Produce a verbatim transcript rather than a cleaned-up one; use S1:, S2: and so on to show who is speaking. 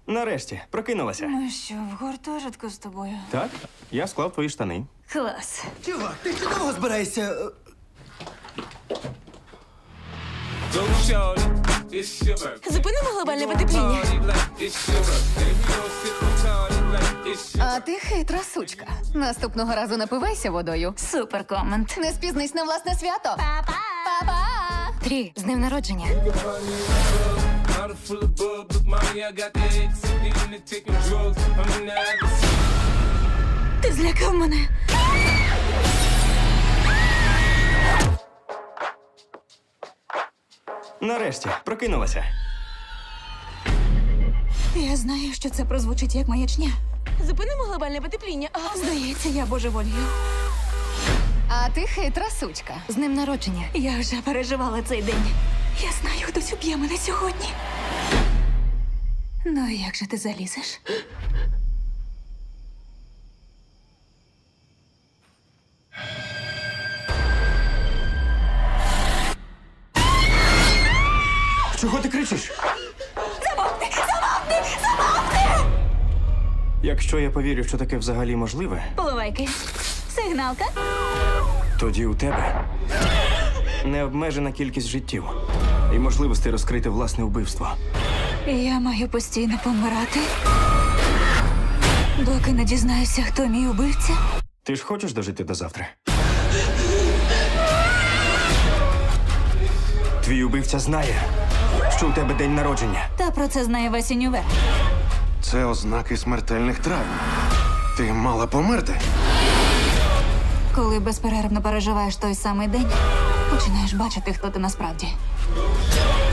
S1: Нарешті, прокинулася.
S2: Ми що, в гуртожитку з тобою?
S1: Так, я склав твої штани.
S2: Клас.
S3: Чувак, ти ще довго збираєшся?
S2: Зупинимо глобальне потепління.
S4: А ти хитра сучка. Наступного разу напивайся водою.
S2: Супер комент.
S4: Не спізнись на власне свято. Па-па! Па-па! Трі, з днем народження.
S2: Ти злякав мене.
S1: Нарешті, прокинулася.
S2: Я знаю, що це прозвучить як маячня. Зупинимо глобальне потепління. А, здається, я божеволію.
S4: А ти хитра сучка. З днем народження.
S2: Я вже переживала цей день. Я знаю, хтось уб'є мене сьогодні. Ну, як же ти залізеш?
S1: Чого ти кричиш?
S2: Замовкни! Замовкни! Замовкни!
S1: Якщо я повірю, що таке взагалі можливе,
S2: Поливайки. Сигналка.
S1: тоді у тебе необмежена кількість життів і можливості розкрити власне вбивство.
S2: Я маю постійно помирати, доки не дізнаюся, хто мій убивця.
S1: Ти ж хочеш дожити до завтра? Твій убивця знає, що у тебе день народження.
S2: Та про це знає весь універ.
S5: Це ознаки смертельних травм. Ти мала померти.
S2: Коли безперервно переживаєш той самий день, починаєш бачити, хто ти насправді.